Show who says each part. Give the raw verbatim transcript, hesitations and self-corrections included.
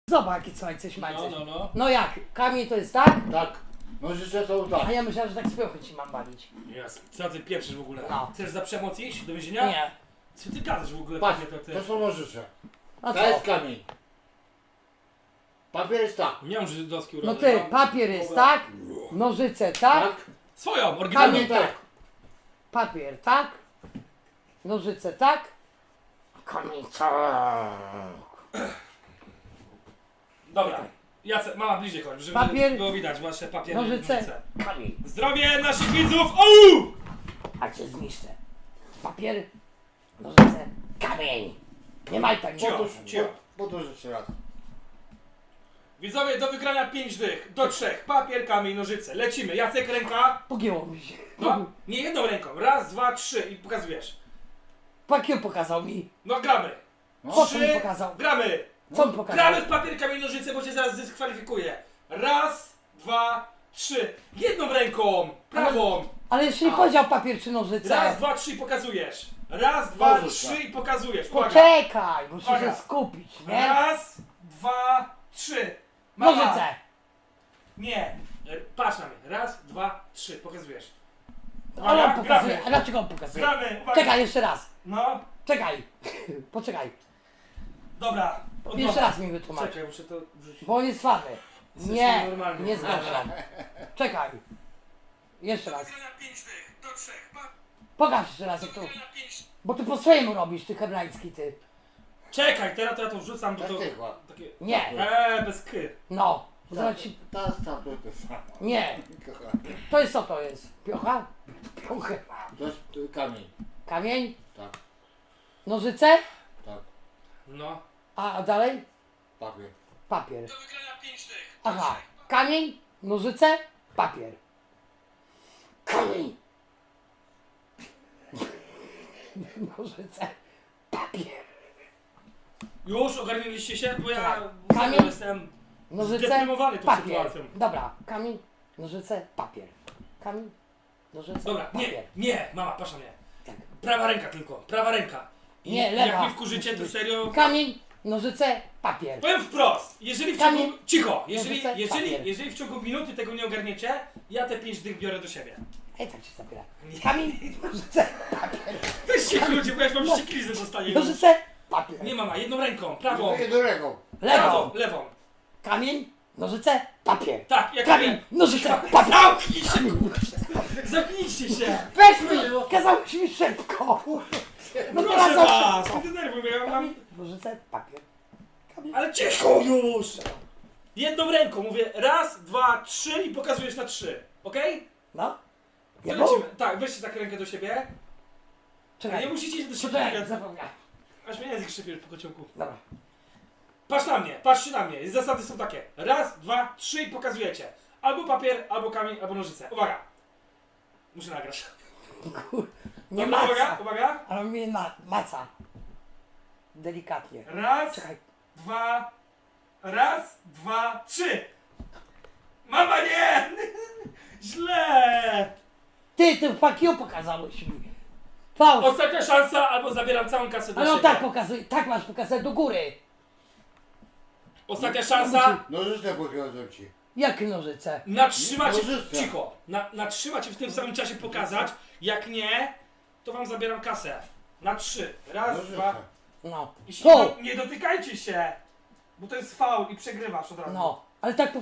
Speaker 1: Zobacz, jakie słońce śmańce.
Speaker 2: No, no, no.
Speaker 1: No jak? Kamień to jest tak?
Speaker 3: Tak. Nożyce są tak.
Speaker 1: A ja myślałem, że tak z piochy ci mam bawić.
Speaker 2: Jasne. Co ty pieprzysz w ogóle?
Speaker 1: No.
Speaker 2: Chcesz za przemoc iść do więzienia?
Speaker 1: Nie.
Speaker 2: Co ty gadasz w ogóle?
Speaker 3: Patrz,
Speaker 2: Panie, to ty?
Speaker 3: to są nożyce.
Speaker 1: A
Speaker 3: To jest
Speaker 1: co?
Speaker 3: kamień. Papier jest tak.
Speaker 2: Miałem żydowski
Speaker 1: No
Speaker 2: urodzeń.
Speaker 1: ty,
Speaker 2: mam-
Speaker 1: papier jest
Speaker 2: Dobra.
Speaker 1: tak? Nożyce tak?
Speaker 3: Tak?
Speaker 2: Swoją, oryginalną.
Speaker 1: Kamień
Speaker 3: tak.
Speaker 1: tak. Papier tak? Nożyce tak? Kamień tak.
Speaker 2: Dobra. Jacek, mama bliżej chodź, żeby
Speaker 1: Papier.
Speaker 2: było widać wasze papiery.
Speaker 1: Nożyce. Kamień.
Speaker 2: Zdrowie naszych widzów! Ouu!
Speaker 1: A cię zniszczę. Papier. Nożyce. Kamień. Nie maj tak.
Speaker 2: Cio.
Speaker 3: Podróż,
Speaker 2: Cio.
Speaker 3: podróż jeszcze raz.
Speaker 2: Widzowie, do wygrania pięć dych, do trzech. Papier, kamień, nożyce. Lecimy. Jacek, ręka.
Speaker 1: Pogięło mi się.
Speaker 2: No, nie jedną ręką. Raz, dwa, trzy i pokazujesz.
Speaker 1: Pakier pokazał mi.
Speaker 2: No gramy.
Speaker 1: Po co mi
Speaker 2: Trzy.
Speaker 1: pokazał?
Speaker 2: Gramy.
Speaker 1: Co mi pokazał?
Speaker 2: Gramy w papier, kamień, nożyce, bo cię zaraz dyskwalifikuję. Raz, dwa, trzy. Jedną ręką. Prawą.
Speaker 1: Ale jeszcze nie powiedział papier czy nożyce.
Speaker 2: Raz, dwa, trzy i pokazujesz. Raz, dwa,
Speaker 3: Nożyce.
Speaker 2: trzy i pokazujesz. Uwaga.
Speaker 1: Poczekaj, muszę
Speaker 2: Uwaga.
Speaker 1: się skupić, nie?
Speaker 2: Raz, dwa, trzy. Mama.
Speaker 1: Nożyce.
Speaker 2: Nie. R- Patrz na mnie. Raz, dwa, trzy. Pokazujesz.
Speaker 1: Ale on
Speaker 2: Uwaga,
Speaker 1: pokazuje. A
Speaker 2: gramy.
Speaker 1: dlaczego on pokazuje?
Speaker 2: Gramy. Uwaga.
Speaker 1: Czekaj, jeszcze raz.
Speaker 2: No.
Speaker 1: Czekaj. Poczekaj.
Speaker 2: Dobra. Od
Speaker 1: Jeszcze
Speaker 2: nowa.
Speaker 1: raz mi wytłumacz.
Speaker 2: Czekaj, muszę to wrzucić.
Speaker 1: Bo on jest słaby.
Speaker 2: Jesteś
Speaker 1: Nie,
Speaker 2: nienormalny.
Speaker 1: nie zgadzam. Czekaj. Jeszcze raz.
Speaker 2: Wygrania pięć dych, do trzech. Pa-
Speaker 1: Pokaż jeszcze raz jak to.
Speaker 2: wygrania pięć-
Speaker 1: Bo ty po swojemu robisz, ty hebrajski ty.
Speaker 2: Czekaj, teraz to ja to wrzucam, bo
Speaker 3: Tak
Speaker 2: to...
Speaker 3: tylko.
Speaker 2: Takie...
Speaker 1: Nie.
Speaker 2: Eee, bez ky.
Speaker 1: No.
Speaker 3: Tak,
Speaker 1: Zobacz ci.
Speaker 3: ta tam to to samo.
Speaker 1: Nie.
Speaker 3: Kochanie.
Speaker 1: To jest co to jest? Piocha? Piochy.
Speaker 3: To jest y, kamień.
Speaker 1: Kamień?
Speaker 3: Tak,
Speaker 1: Nożyce?
Speaker 3: tak.
Speaker 2: No.
Speaker 1: A a dalej?
Speaker 3: Papier.
Speaker 1: Papier.
Speaker 2: Do wygrania pięć dych. do
Speaker 1: Aha.
Speaker 2: trzech.
Speaker 1: Kamień, nożyce, papier. Kamień. Nożyce, papier.
Speaker 2: Już ogarnęliście się? Bo ja
Speaker 1: Tak.
Speaker 2: serio
Speaker 1: Kamień.
Speaker 2: jestem
Speaker 1: Nożyce,
Speaker 2: zdeprymowany tą
Speaker 1: papier.
Speaker 2: sytuacją.
Speaker 1: Dobra, kamień, nożyce, papier. Kamień, nożyce,
Speaker 2: Dobra,
Speaker 1: papier.
Speaker 2: nie, nie, mama, patrz na mnie.
Speaker 1: Tak.
Speaker 2: Prawa ręka tylko, prawa ręka. I
Speaker 1: Nie,
Speaker 2: jak
Speaker 1: lewa.
Speaker 2: mnie wkurzycie, to serio...
Speaker 1: Kamień, nożyce, papier.
Speaker 2: Powiem wprost, jeżeli w ciągu...
Speaker 1: Kamień.
Speaker 2: Cicho! Jeżeli,
Speaker 1: Nożyce,
Speaker 2: jeżeli,
Speaker 1: papier.
Speaker 2: jeżeli w ciągu minuty tego nie ogarniecie, ja te pięć dych biorę do siebie.
Speaker 1: Ej, tak się zabiera. Kamień, nożyce, papier.
Speaker 2: Weź się ludzie, bo ja już mam ścieklizę dostanie. już.
Speaker 1: Nożyce, papier.
Speaker 2: Nie mama, jedną ręką, prawą.
Speaker 3: Jedną ręką.
Speaker 2: Prawą,
Speaker 1: Lewą.
Speaker 2: lewą.
Speaker 1: Kamień, nożyce, papier.
Speaker 2: Tak, jak
Speaker 1: Kamień, nożyce, papier.
Speaker 2: Zamknij się, kurwa. Zamknijcie się.
Speaker 1: Weź mi! Kazałeś mi szybko! No teraz
Speaker 2: Proszę
Speaker 1: za
Speaker 2: was,
Speaker 1: szybko.
Speaker 2: nie denerwuj mnie, ja mam...
Speaker 1: Kamień, nożyce, papier. Kamień.
Speaker 2: Ale cicho już! Jedną ręką mówię raz, dwa, trzy i pokazujesz na trzy. Okej?
Speaker 1: No?
Speaker 2: To
Speaker 1: Ja
Speaker 2: lecimy. Tak, weźcie tak rękę do siebie. A
Speaker 1: Czekaj,
Speaker 2: nie musicie iść do siebie.
Speaker 1: czekaj,
Speaker 2: tak,
Speaker 1: zapomniałem.
Speaker 2: aż mnie język szybie po kociągu.
Speaker 1: Dobra.
Speaker 2: Patrz na mnie, patrzcie na mnie. Zasady są takie. Raz, dwa, trzy i pokazujecie. Albo papier, albo kamień, albo nożyce. Uwaga. Muszę nagrać.
Speaker 1: Kur... Nie
Speaker 2: Dobra, uwaga,
Speaker 1: maca.
Speaker 2: uwaga.
Speaker 1: Ale mnie ma... maca. Delikatnie.
Speaker 2: Raz,
Speaker 1: Czekaj.
Speaker 2: dwa, raz, dwa, trzy. Mama nie! Źle!
Speaker 1: Ty, ty fuck you pokazałeś mi. Fałsz.
Speaker 2: Ostatnia szansa, albo zabieram całą kasę do
Speaker 1: Ale on
Speaker 2: siebie.
Speaker 1: tak pokazuje, tak masz pokazać do góry.
Speaker 2: Ostatnia szansa.
Speaker 3: Nożyce pokażę ci.
Speaker 1: Jakie nożyce?
Speaker 2: Natrzymacie,
Speaker 3: Nożyce.
Speaker 2: cicho, na, natrzymacie w tym samym czasie pokazać, jak nie, to wam zabieram kasę. Na trzy. Raz,
Speaker 3: Nożyce.
Speaker 2: dwa
Speaker 1: No.
Speaker 2: i się,
Speaker 1: Tu!
Speaker 2: nie dotykajcie się, bo to jest faul i przegrywasz od razu.
Speaker 1: No. Ale tak